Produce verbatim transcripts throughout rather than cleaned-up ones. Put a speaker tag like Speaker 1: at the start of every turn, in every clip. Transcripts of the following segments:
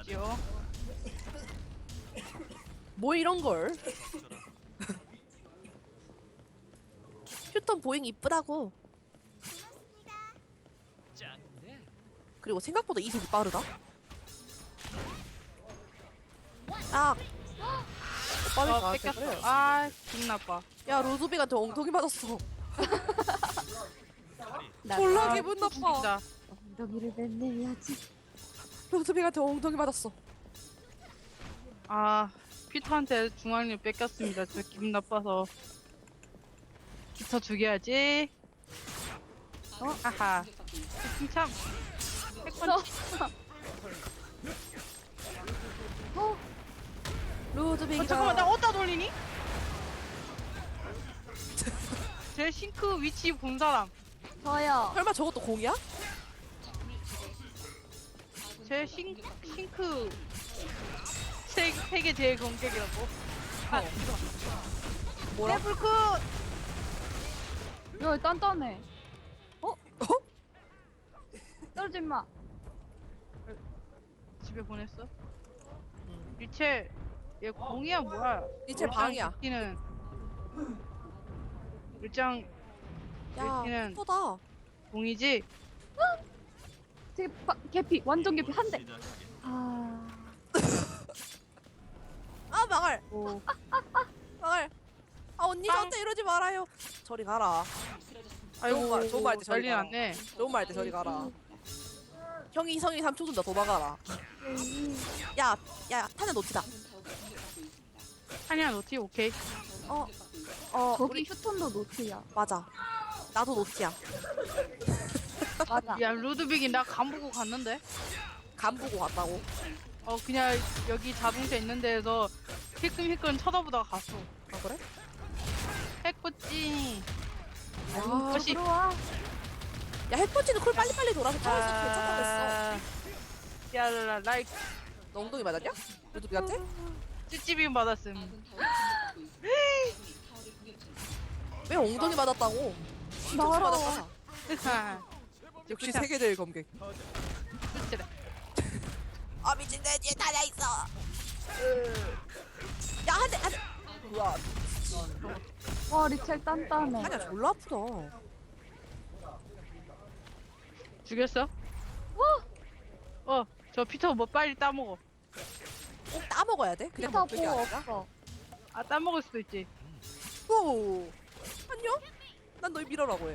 Speaker 1: 주십시오.
Speaker 2: 뭐 이런 걸? 휴턴 보잉 이쁘다고. 그리고 생각보다 이속이 빠르다. 아, 빨리
Speaker 1: 어,
Speaker 2: 가한테
Speaker 1: 뺏겼어.
Speaker 2: 그래.
Speaker 1: 아, 기분 나빠.
Speaker 2: 야 로드빅한테 엉덩이 맞았어.
Speaker 3: 나
Speaker 2: 졸라
Speaker 1: 아,
Speaker 2: 기분 나빠.
Speaker 1: 진짜.
Speaker 3: 엉덩이를 맨내야지.
Speaker 2: 로드빅한테 엉덩이 맞았어.
Speaker 1: 아, 피터한테 중앙을 뺏겼습니다. 저 기분 나빠서. 피터 죽여야지. 어? 아하. 참. 핵펀치.
Speaker 3: 어?
Speaker 2: 로드빅이다.
Speaker 1: 어, 잠깐만, 나 어디다 돌리니? 제 싱크 위치 본 사람.
Speaker 3: 저요.
Speaker 2: 설마 저것도 공이야?
Speaker 1: 제 싱, 싱크 세, 세계 제일 공격이라고. 아, 이거.
Speaker 2: 뭐라?
Speaker 1: 레블크!
Speaker 3: 야, 단단해.
Speaker 2: 어?
Speaker 3: 떨어지 마.
Speaker 1: 집에 보냈어? 일체, 얘 공이야, 뭐야?
Speaker 2: 일체 방이야.
Speaker 1: 는 일장
Speaker 2: 야,
Speaker 1: 일단은-
Speaker 2: 이쁘다.
Speaker 1: 공이지?
Speaker 3: 되게 파, 개피. 완전 개피. 한 대. 아.
Speaker 2: 아 망할.
Speaker 1: 오.
Speaker 2: 망할. 아 언니 저한테 이러지 말아요. 저리 가라.
Speaker 1: 아이고,
Speaker 2: 좋은 말, 좋은 말때 저리
Speaker 1: 난리
Speaker 2: 가라.
Speaker 1: 났네.
Speaker 2: 너무 말때 저리 가라. 형이 이성이 삼 초 준다 도망가라. 야, 야, 탄을 놓치다.
Speaker 1: 한이야, 노티, 오케이.
Speaker 2: 어, 어,
Speaker 3: 거기
Speaker 2: 우리
Speaker 3: 휴턴도 노트야.
Speaker 2: 맞아. 나도 놓치야.
Speaker 3: 맞아.
Speaker 1: 야, 루드빅이 나 간보고 갔는데?
Speaker 2: 간 보고 갔다고.
Speaker 1: 어, 그냥 여기 자동차 있는 데에서 힐끔힐끔 쳐다보다가 갔어.
Speaker 2: 아 그래?
Speaker 1: 해코찌.
Speaker 2: 야,
Speaker 1: 다시.
Speaker 3: 들어와.
Speaker 2: 야 헬퍼치는 콜 빨리빨리 돌아서 차에서 괜찮겠어.
Speaker 1: 야, 라, 라이,
Speaker 2: 너 엉덩이 맞았냐? 루드빅한테?
Speaker 1: 찌찌빔 받았음.
Speaker 2: 왜 엉덩이 맞았다고?
Speaker 3: 나라.
Speaker 2: 맞았잖아. 역시 세계대회 검객.
Speaker 1: 그치래.
Speaker 2: 아 미친 내 뒤에 달려 있어. 야 한 대, 한 대. 우와,
Speaker 3: 와, 리첼 단단해.
Speaker 2: 하냐 졸라 아프다.
Speaker 1: 죽였어?
Speaker 3: 와!
Speaker 1: 어, 저 피터 뭐 빨리 따먹어.
Speaker 2: 꼭 따먹어야 돼? 그냥
Speaker 3: 피터
Speaker 2: 먹는 게
Speaker 3: 뭐
Speaker 2: 아니라?
Speaker 3: 없어.
Speaker 1: 아, 따먹을 수도 있지.
Speaker 2: 오, 안녕? 난 널 밀어라고 해.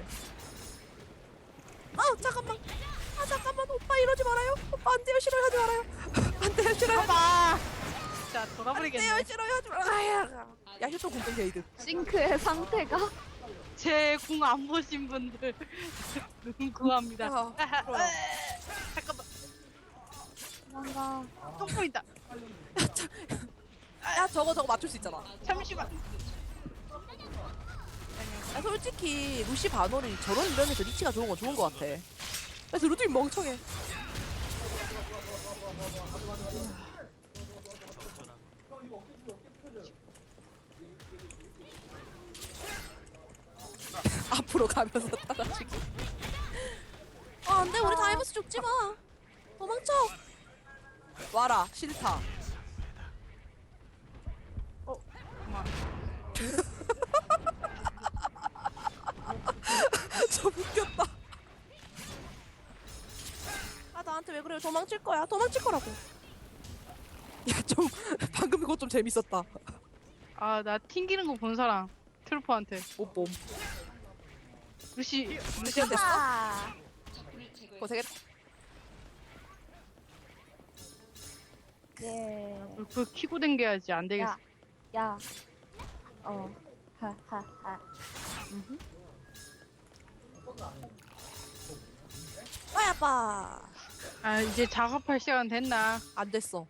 Speaker 2: 아 잠깐만. 아 잠깐만 오빠 이러지 말아요. 오빠 안 돼요 싫어요 하지 말아요. 안 돼요 싫어요.
Speaker 1: 봐봐! 진짜
Speaker 2: 안 돼요
Speaker 1: 돌아버리겠네.
Speaker 2: 싫어요 하지 말아요. 야 휴통 공동 게이드.
Speaker 3: 싱크의 상태가.
Speaker 1: 제 궁 안 보신 분들 눈 구합니다.
Speaker 2: 야, 그럼.
Speaker 1: 잠깐만,
Speaker 3: 도망가.
Speaker 1: 똥 보인다.
Speaker 2: 야 저거 저거 맞출 수 있잖아.
Speaker 1: 잠시만.
Speaker 2: 야 솔직히 루시 바노리 저런 이름에서 리치가 좋은 건 좋은 것 같아. 그래서 루드이 멍청해. 앞으로 가면서 따라주기. 아 안돼 우리 다이버스 죽지 마. 도망쳐. 와라 싫다.
Speaker 1: 어, 그만.
Speaker 2: 저 웃겼다. 아 나한테 왜 그래요? 도망칠 거야. 도망칠 거라고. 야 좀 방금 그거 좀 재밌었다.
Speaker 1: 아, 나 튕기는 거 본 사람. 트루퍼한테.
Speaker 2: 못봄.
Speaker 1: 루시,
Speaker 2: 루시안 됐어?
Speaker 3: 아.
Speaker 2: 고생했다.
Speaker 3: 예.
Speaker 1: 그 키고 댕겨야지. 안 되겠어.
Speaker 3: 야. 야. 어. 하하하.
Speaker 2: 빠야 빠.
Speaker 1: 아, 이제 작업할 시간 됐나?
Speaker 2: 안 됐어.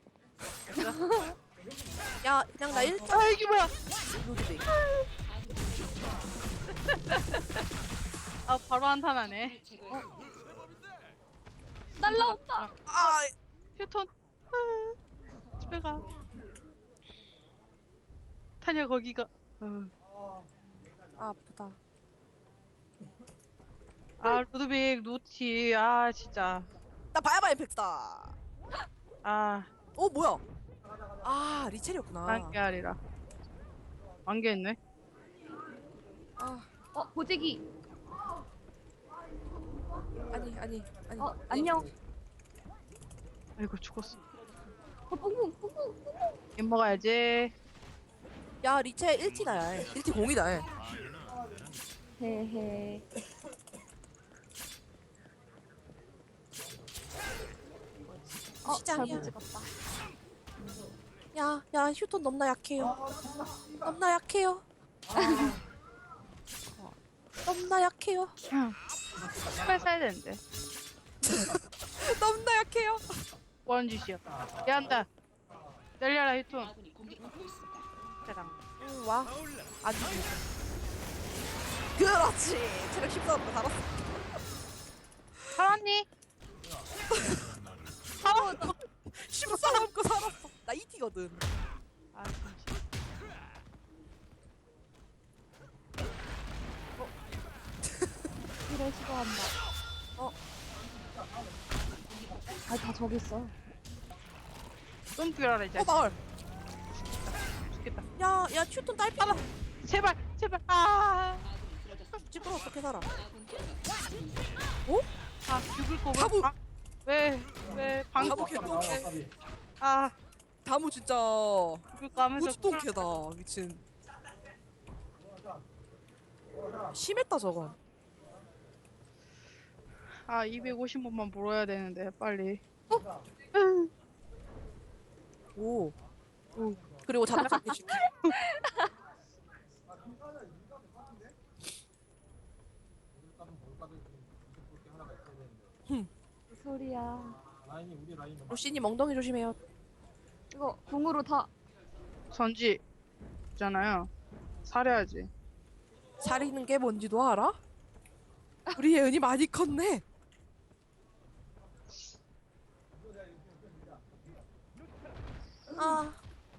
Speaker 2: 야 그냥 나 일점.
Speaker 1: 아, 이게 뭐야?
Speaker 2: 루드빅.
Speaker 1: 아, 바로 한탄하네.
Speaker 3: 날라온다.
Speaker 2: 아
Speaker 1: 휴톤. 아, 집에 가. 타냐, 거기가. 어.
Speaker 2: 아, 아프다.
Speaker 1: 아, 루드빅, 노티. 아, 진짜.
Speaker 2: 나 바야바 임팩트다.
Speaker 1: 아,
Speaker 2: 어 뭐야? 아 리첼이었구나.
Speaker 1: 안개알이라. 안개 있네.
Speaker 2: 아
Speaker 3: 어 보재기.
Speaker 2: 아니 아니 아니.
Speaker 3: 어 안녕.
Speaker 1: 아이고 죽었어.
Speaker 3: 어 뿡뿡 뿡뿡.
Speaker 1: 이 먹어야지.
Speaker 2: 야 리첼 일 티다. 일 티 공이다.
Speaker 3: 헤헤. 어
Speaker 2: 시장이야.
Speaker 3: 잘못 찍었다.
Speaker 2: 야, 야, 휴톤 넘나 약해요. 넘나 약해요. 넘나 약해요.
Speaker 1: 빨리 사야 되는데.
Speaker 2: 넘나 약해요.
Speaker 1: 뭐하는 짓이야. 얘한다. 날려라 히톤. 짜랑.
Speaker 2: 응, 와. 안 죽이고. 그렇지. 체력 십사로 달았어.
Speaker 1: 살았니?
Speaker 2: 살았어. 십사 남고 살았어. 나 이 티거든.
Speaker 1: 아 진짜.
Speaker 3: 이래 시도한다.
Speaker 2: 어.
Speaker 3: 아다 저기 있어.
Speaker 1: 좀 뛰어라 이제.
Speaker 2: 어, 마을.
Speaker 1: 죽겠다.
Speaker 2: 야, 야, 휴톤 딸피.
Speaker 1: 제발 제발. 아.
Speaker 2: 집으로 어떻게 살아?
Speaker 1: 아 죽을 거
Speaker 2: 가부.
Speaker 1: 왜? 왜? 방
Speaker 2: 가부 개똥개.
Speaker 1: 아
Speaker 2: 다무 진짜
Speaker 1: 죽을 거 하면서
Speaker 2: 무지똥개다. 미친. 심했다 저건.
Speaker 1: 아 이백오십 번만 벌어야 되는데 빨리.
Speaker 2: 오. 오. 그리고 자동차 개줄게.
Speaker 3: 무슨 소리야.
Speaker 2: 루시님 엉덩이 조심해요.
Speaker 3: 이거 궁으로 다.
Speaker 1: 선지 있잖아요. 사려야지.
Speaker 2: 사리는 게 뭔지도 알아? 우리 예은이 많이 컸네. 아.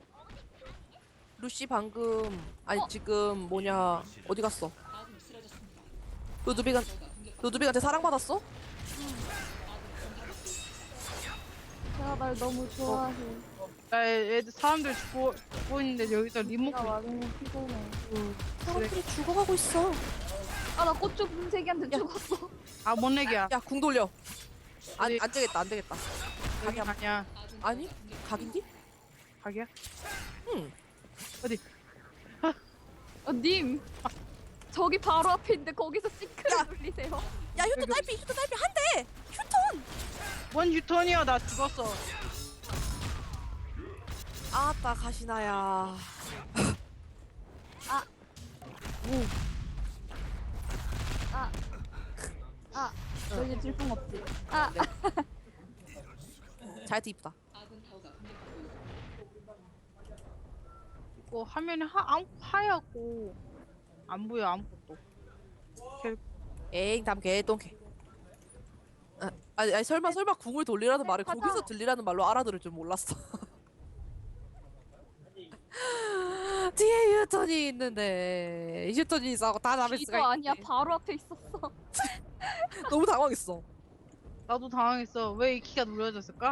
Speaker 2: 루시 방금 아니 지금 뭐냐 어디 갔어? 루드빅한 루드빅한테 사랑받았어?
Speaker 3: 제가 날 너무 좋아해.
Speaker 1: 나 애- 애들 사람들 죽고 죽고 있는데 여기서 리모컨.
Speaker 3: 내가 와중에 피곤해.
Speaker 2: 사람들이 죽어가고 있어.
Speaker 3: 아나 꽃주 분쇄기한테 죽었어.
Speaker 1: 아 못내기야.
Speaker 2: 야 궁 돌려. 안,
Speaker 1: 어디?
Speaker 2: 안 되겠다 안 되겠다.
Speaker 1: 여기 아니야.
Speaker 2: 아니 각인디?
Speaker 1: 가게야?
Speaker 2: 응.
Speaker 1: 어디?
Speaker 3: 어, 님. 저기 바로 앞에 있는데 거기서
Speaker 2: 야.
Speaker 3: 싱크를 돌리세요.
Speaker 2: 야 휴톤 딸피 휴톤 딸피 한 대. 휴톤.
Speaker 1: 뭔 유턴이야? 나 죽었어.
Speaker 2: 아따 가시나야.
Speaker 3: 아. 아. 아. 너 이제 질풍 없지? 아.
Speaker 2: 자이트 이쁘다.
Speaker 1: 이거 화면이 하, 안, 하얗고 안 보여 아무것도.
Speaker 2: 에잉 담 개똥개. 아, 아니, 아니 설마 설마 궁을 돌리라는 말을
Speaker 3: 가자.
Speaker 2: 거기서 들리라는 말로 알아들을 줄 몰랐어. 뒤에 유턴이 있는데 유턴이 있어 다 잡을
Speaker 3: 이거
Speaker 2: 수가
Speaker 3: 아니야.
Speaker 2: 있네.
Speaker 3: 바로 앞에 있었어.
Speaker 2: 너무 당황했어.
Speaker 1: 나도 당황했어. 왜 이 키가 눌러졌을까?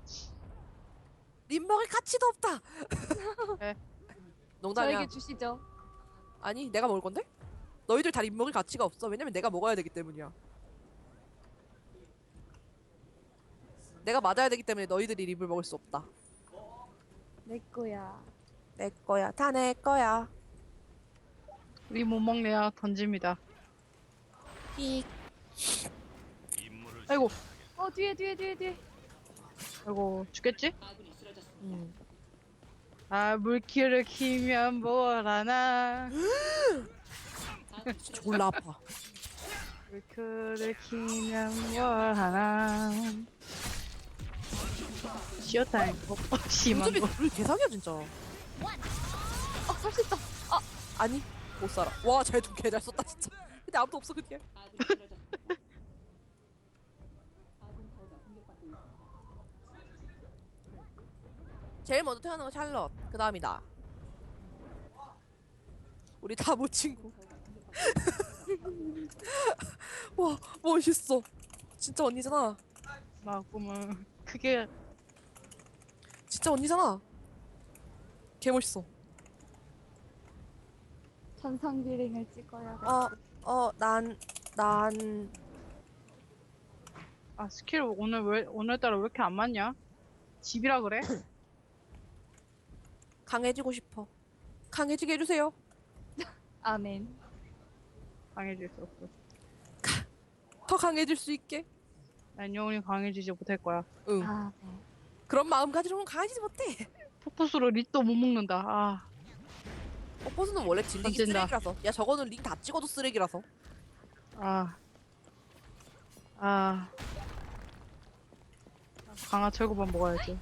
Speaker 2: 립 먹을 가치도 없다.
Speaker 1: 네.
Speaker 2: 농담이야.
Speaker 3: 저에게 주시죠.
Speaker 2: 아니 내가 먹을 건데? 너희들 다 립 먹을 가치가 없어. 왜냐면 내가 먹어야 되기 때문이야. 내가 맞아야 되기 때문에 너희들이 립을 먹을 수 없다.
Speaker 3: 내 거야.
Speaker 2: 내 거야. 다 내 거야.
Speaker 1: 우리 못 먹네야 던집니다.
Speaker 2: 픽.
Speaker 1: 아이고
Speaker 3: 어 뒤에 뒤에 뒤에 뒤에.
Speaker 1: 아이고 죽겠지?
Speaker 2: 음.
Speaker 1: 아 물기를 키면 뭘 하나.
Speaker 2: 졸라 아파.
Speaker 1: 물기를 키면 뭘 하나. 시어타임 어, 심한
Speaker 2: 요즘에
Speaker 1: 거.
Speaker 2: 우리 개사기야 진짜.
Speaker 3: 어살 수 있다. 아.
Speaker 2: 아니 못 살아. 와 쟤도 개잘 썼다 진짜. 근데 아무도 없어 그 뒤에. 제일 먼저 태어난 건 샬럿. 그 다음이다. 우리 다모 친구. 와 멋있어. 진짜 언니잖아.
Speaker 1: 나 꿈은 그게
Speaker 2: 진짜 언니잖아. 개 멋있어.
Speaker 3: 천상 비링을 찍어야 돼.
Speaker 2: 어, 어, 난, 난,
Speaker 1: 아 스킬 오늘 왜 오늘따라 왜 이렇게 안 맞냐? 집이라 그래?
Speaker 2: 강해지고 싶어. 강해지게 해주세요.
Speaker 3: 아멘.
Speaker 1: 강해질 수 없어.
Speaker 2: 더 강해질 수 있게.
Speaker 1: 난 영원히 강해지지 못할 거야.
Speaker 2: 응.
Speaker 3: 아, 네.
Speaker 2: 그런 마음가짐으로는 강해지지 못해.
Speaker 1: 포커스로 립도 못 먹는다. 아
Speaker 2: 뽀뽀스는 원래 딜링이
Speaker 1: 던진다.
Speaker 2: 쓰레기라서. 야, 저거는 링 다 찍어도 쓰레기라서.
Speaker 1: 아. 아. 강화 철구만 먹어야지.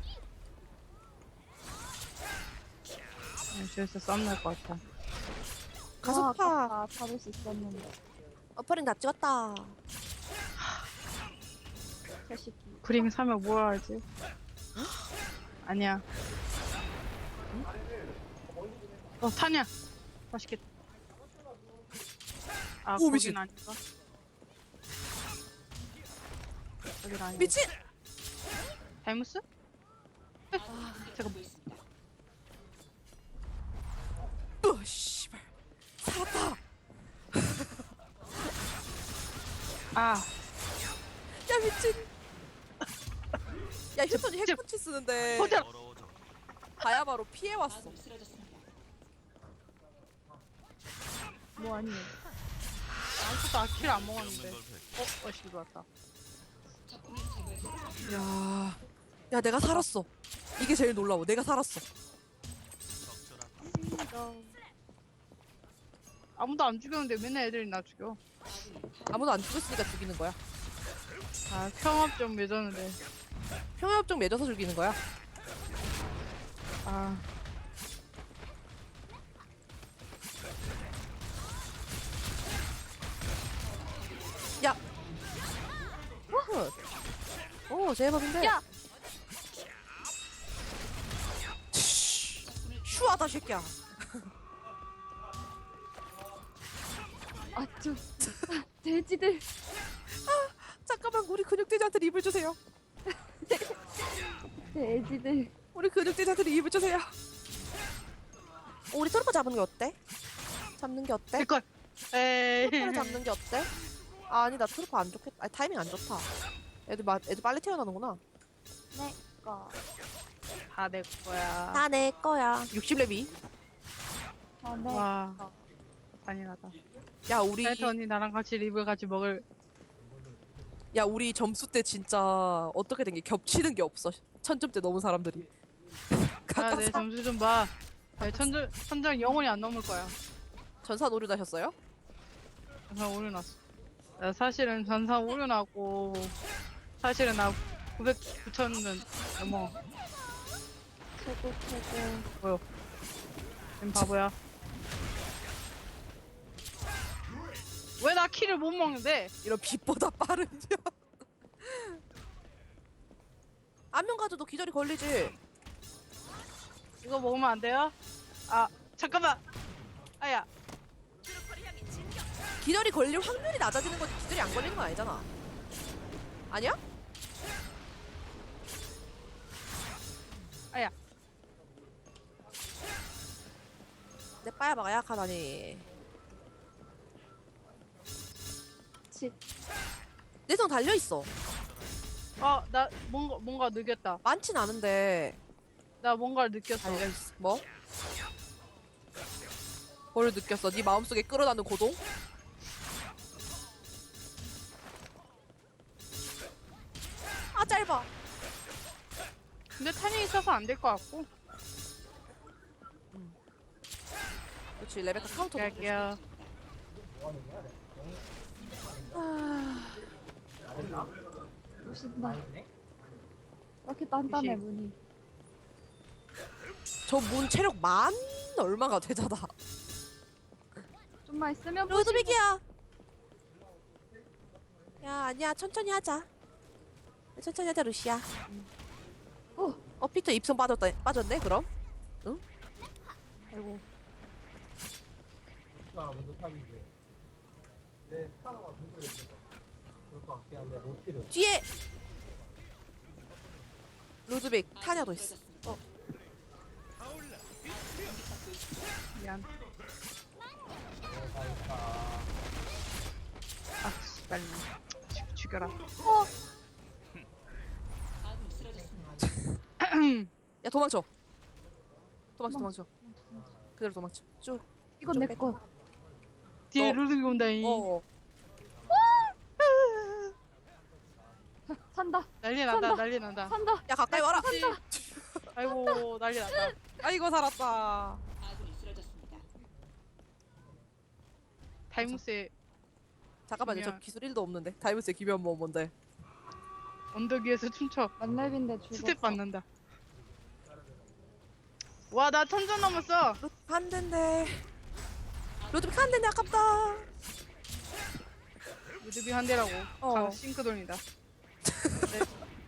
Speaker 1: 저기서 싸움 날 것 같아.
Speaker 2: 가속파.
Speaker 3: 아, 잡을 수 있었는데.
Speaker 2: 어퍼링 다 찍었다.
Speaker 3: 자식이.
Speaker 1: 브링 사면 뭘 하지? 아니야. 어, 타냐? 맛있겠다. 아,
Speaker 2: 오,
Speaker 1: 거긴
Speaker 2: 미친.
Speaker 1: 아닌가? 거긴 아닌가?
Speaker 2: 미친!
Speaker 1: 다이무스? 아, 잠깐만.
Speaker 2: 으, 씨발. 살았다.
Speaker 1: 아,
Speaker 2: 야, 미친. 야, 휴턴이
Speaker 1: 저-
Speaker 2: 핵펀치 쓰는데.
Speaker 1: 호텔!
Speaker 2: 바야바로 피해왔어.
Speaker 3: 뭐 아니에요.
Speaker 1: 아무것도 아키를 안 먹었는데. 어, 어, 씨, 들어왔다.
Speaker 2: 야, 야, 내가 살았어. 이게 제일 놀라워. 내가 살았어.
Speaker 1: 아무도 안 죽였는데 맨날 애들이 나 죽여.
Speaker 2: 아무도 안 죽였으니까 죽이는 거야.
Speaker 1: 아, 평합 좀 맺었는데.
Speaker 2: 평화협정 맺어서 죽이는 거야.
Speaker 1: 아,
Speaker 2: 야. 오, 제법인데.
Speaker 3: 야!
Speaker 2: 슈하다, 새끼야.
Speaker 3: 아, 저, 아, 돼지들.
Speaker 2: 잠깐만, 우리 근육대장한테 립을 주세요.
Speaker 3: 돼지들.
Speaker 2: 우리 근육대장한테 립을 주세요. 어, 우리 트루퍼 잡는 게 어때? 잡는 게 어때?
Speaker 1: 될걸. 에이.
Speaker 2: 트루퍼를 잡는 게 어때? 아, 아니, 나 트루퍼 안 좋겠다. 아니, 타이밍 안 좋다. 애들, 마, 애들 빨리 태어나는구나.
Speaker 3: 네, 거.
Speaker 1: 다 내 거야.
Speaker 2: 다 내 거야. 육십 렙이.
Speaker 3: 아, 네.
Speaker 1: 와, 잔인하다.
Speaker 2: 야, 우리,
Speaker 1: 사이트 언니 나랑 같이 립을 같이 먹을.
Speaker 2: 야, 우리 점수 때 진짜 어떻게 된 게 겹치는 게 없어. 천점대 넘은 사람들이.
Speaker 1: 아,
Speaker 2: 각각
Speaker 1: 내
Speaker 2: 사-
Speaker 1: 점수 좀 봐. 네, 천점, 천점 영원히 안 넘을 거야.
Speaker 2: 전사 노류 다셨어요?
Speaker 1: 전산 오류 났어. 나 사실은 전산 오류 나고, 사실은 나 구백, 구천은 넘어.
Speaker 3: 최고, 최고.
Speaker 1: 님 바보야. 왜 나 키를 못 먹는데?
Speaker 2: 이런 빛보다 빠른 년. 안면 가져도 기절이 걸리지.
Speaker 1: 이거 먹으면 안 돼요? 아, 잠깐만! 아야,
Speaker 2: 기절이 걸릴 확률이 낮아지는 거지 기절이 안 걸리는 건 아니잖아. 아니야?
Speaker 1: 아야.
Speaker 2: 내 빠야바가 약하다니.
Speaker 3: 치,
Speaker 2: 내성 달려있어.
Speaker 1: 어, 나 뭔가, 뭔가 느꼈다.
Speaker 2: 많진 않은데
Speaker 1: 나 뭔가를 느꼈어.
Speaker 2: 달려있어. 뭐? 뭘 느꼈어? 네 마음속에 끌어나는 고동? 아 짧아.
Speaker 1: 근데 탄이 있어서 안 될 것 같고.
Speaker 2: 그렇지 레베카 카운터.
Speaker 1: 갈게요.
Speaker 3: 오신다. 이렇게 단단해,
Speaker 1: 미식.
Speaker 3: 문이.
Speaker 2: 저 문 체력 만 얼마가 되잖아.
Speaker 3: 좀만 있으면
Speaker 2: 루드빅이야. 야 아니야 천천히 하자. 천천히 하자 루시야.
Speaker 3: 어.
Speaker 2: 어 피터 입성 빠졌다 빠졌네 그럼? 응? 아이고.
Speaker 4: 가 먼저 탑이지. 내 스타가 먼저 있어. 그럴 것 같긴 한데 로티를.
Speaker 2: 뒤에 루드빅 타냐도 있어. 어
Speaker 1: 미안.
Speaker 4: 내가 있다.
Speaker 1: 아, 씨발. 죽- 죽여라.
Speaker 2: 야 도망쳐. 도망쳐 도망쳐. 그대로 도망쳐. 쭉.
Speaker 3: 이건 내 거.
Speaker 1: 뒤에
Speaker 2: 어.
Speaker 1: 루드비 온다잉.
Speaker 2: 어.
Speaker 3: 산다.
Speaker 1: 난리 난다,
Speaker 3: 산다.
Speaker 1: 난리 난다.
Speaker 3: 산다.
Speaker 2: 야 가까이 와라.
Speaker 1: 아이고, 난리 난다.
Speaker 2: 아이고 살았다.
Speaker 1: 타이무스의
Speaker 2: 잠깐만요. 저
Speaker 1: 기묘한-
Speaker 2: 기술 일도 없는데. 다이브스의 기변 뭐 뭔데?
Speaker 1: 언덕 위에서 춤춰.
Speaker 3: 만렙인데 죽었어.
Speaker 1: 스텝 받는다. 와, 나 천전 넘었어.
Speaker 2: 한 대인데. 로드빅 한 대인데 아깝다.
Speaker 1: 루드비 한 대라고.
Speaker 2: 어.
Speaker 1: 강 싱크돈이다. 네.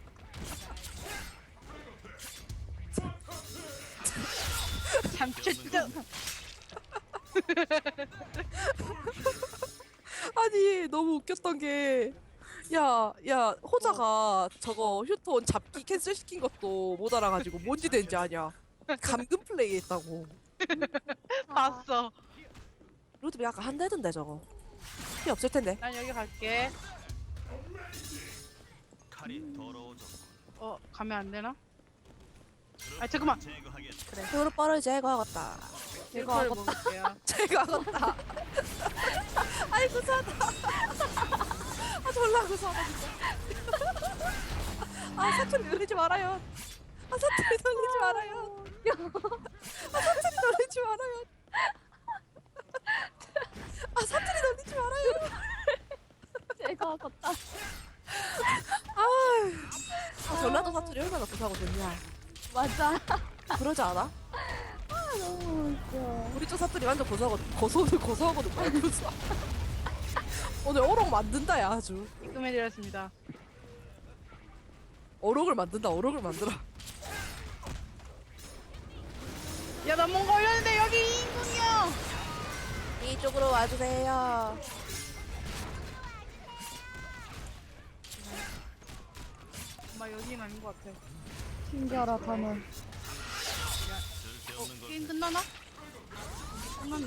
Speaker 1: 참쳤다.
Speaker 2: 아니 너무 웃겼던 게. 야, 야, 호자가 저거 휴톤 잡기 캔슬 시킨 것도 못 알아가지고 뭔지 된지 아냐. 감금 플레이 했다고.
Speaker 1: 봤어.
Speaker 2: 로드빅 아까 한 대던데 저거. 피 없을 텐데.
Speaker 1: 난 여기 갈게.
Speaker 5: 칼이 더러워졌군.
Speaker 1: 어, 가면 안 되나? 아, 잠깐만.
Speaker 5: 제거하겠다.
Speaker 2: 도로 뻘을 제거하겠다.
Speaker 1: 이거를 먹을게요.
Speaker 2: 제거하겠다. 아이고 사다. 아 졸라 구사하다 진짜. 아 사투리 놀리지 말아요. 아 사투리 놀리지 말아요. 아 사투리 놀리지 말아요. 아 사투리 놀리지 말아요.
Speaker 3: 제가 걷다.
Speaker 2: 아 전라도 사투리 얼마나 구사하고 좋냐.
Speaker 3: 맞아.
Speaker 2: 그러지 않아?
Speaker 3: 아, 너무 웃겨.
Speaker 2: 우리 쪽 사투리 완전 고소하고 고소는 고소하고도 말고서. 오늘 어록 만든다 야 아주.
Speaker 1: 입금해드렸습니다.
Speaker 2: 어록을 만든다 어록을 만들어.
Speaker 1: 야, 나 뭔가 올렸는데 여기 이인궁이야.
Speaker 2: 이쪽으로 와주세요.
Speaker 1: 엄마 여기는 아닌 것 같아.
Speaker 3: 튕겨라 단원.
Speaker 5: 쓸데없는 걸
Speaker 1: 게임 끝나나? 끝났네.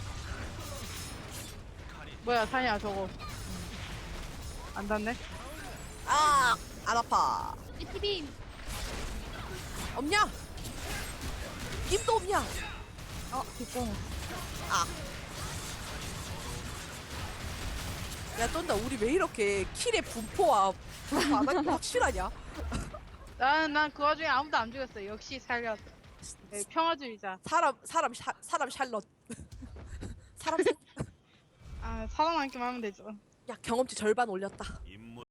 Speaker 1: 뭐야, 사냐 저거. 안 닿네?
Speaker 2: 아, 안 아파.
Speaker 3: 이티빔.
Speaker 2: 없냐? 입도 없냐?
Speaker 3: 어, 뒷공.
Speaker 2: 야, 쩐다. 우리 왜 이렇게 킬의 분포와 분포 안 하는 게 확실하냐?
Speaker 1: 난, 난 그 와중에 아무도 안 죽였어. 역시 살렸어. 네, 평화주의자.
Speaker 2: 사람, 사람, 샤, 사람 샬럿. 사람, 생-
Speaker 1: 아, 살아남기만 하면 되죠.
Speaker 2: 야, 경험치 절반 올렸다.
Speaker 5: 임무